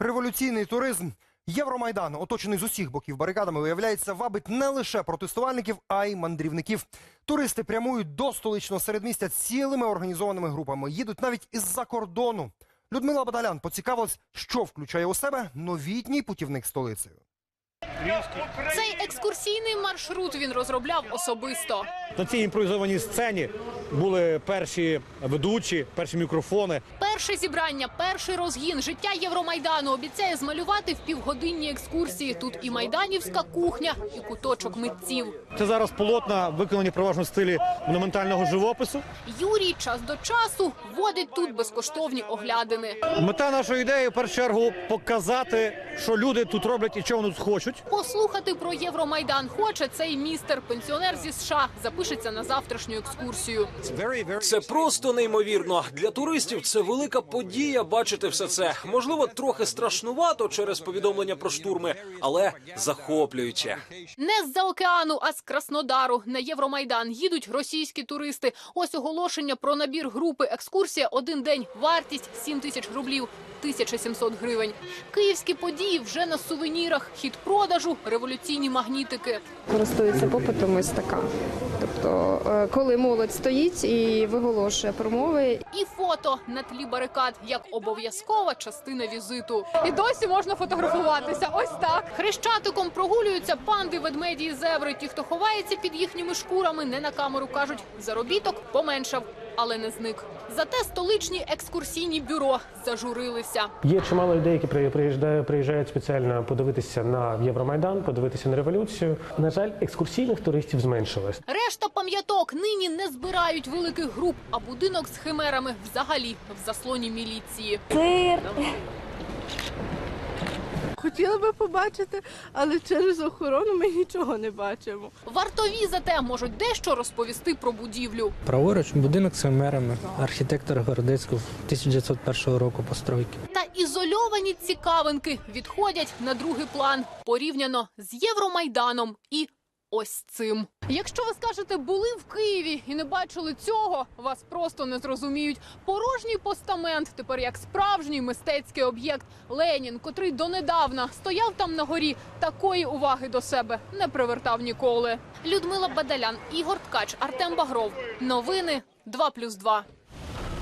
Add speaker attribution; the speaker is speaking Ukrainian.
Speaker 1: Революційний туризм. Євромайдан, оточений з усіх боків барикадами, виявляється, вабить не лише протестувальників, а й мандрівників. Туристи прямують до столичного середмістя цілими організованими групами. Їдуть навіть із-за кордону. Людмила Бадалян поцікавилась, що включає у себе новітній путівник столицею.
Speaker 2: Цей екскурсійний маршрут він розробляв особисто.
Speaker 3: На цій імпровізованій сцені були перші ведучі, перші мікрофони.
Speaker 2: Перше зібрання, перший розгін, життя Євромайдану обіцяє змалювати в півгодинній екскурсії. Тут і майданівська кухня, і куточок митців.
Speaker 3: Це зараз полотна, виконані переважно в стилі монументального живопису.
Speaker 2: Юрій час до часу водить тут безкоштовні оглядини.
Speaker 3: Мета нашої ідеї, в першу чергу, показати, що люди тут роблять і чого вони тут хочуть.
Speaker 2: Послухати про Євромайдан хоче цей містер, пенсіонер зі США, запишеться на завтрашню екскурсію.
Speaker 4: Це просто неймовірно. Для туристів це велика подія бачити все це. Можливо, трохи страшнувато через повідомлення про штурми, але захоплююче.
Speaker 2: Не з-за океану, а з Краснодару на Євромайдан їдуть російські туристи. Ось оголошення про набір групи. Екскурсія один день. Вартість 7 тисяч рублів. 1700 гривень. Київські події вже на сувенірах. Хід продажу, революційні магнітики.
Speaker 5: Користується попитом ось така. Тобто, коли молодь стоїть і виголошує промови.
Speaker 2: І фото на тлі барикад, як обов'язкова частина візиту. І досі можна фотографуватися. Ось так. Хрещатиком прогулюються панди, ведмеді і зебри. Ті, хто ховається під їхніми шкурами, не на камеру кажуть, заробіток поменшав, але не зник. Зате столичні екскурсійні бюро зажурилися.
Speaker 6: Є чимало людей, які приїжджають спеціально подивитися на Євромайдан, подивитися на революцію. На жаль, екскурсійних туристів зменшилось.
Speaker 2: Решта пам'яток нині не збирають великих груп, а будинок з химерами взагалі в заслоні міліції.
Speaker 7: Хотіла би побачити, але через охорону ми нічого не бачимо.
Speaker 2: Вартові зате можуть дещо розповісти про будівлю.
Speaker 8: Праворуч будинок з химерами, архітектор Городецького 1901 року постройки.
Speaker 2: Та ізольовані цікавинки відходять на другий план порівняно з Євромайданом і ось цим. Якщо ви скажете, були в Києві і не бачили цього, вас просто не зрозуміють. Порожній постамент тепер як справжній мистецький об'єкт. Ленін, котрий донедавна стояв там на горі, такої уваги до себе не привертав ніколи. Людмила Бадалян, Ігор Ткач, Артем Багров. Новини 2+2.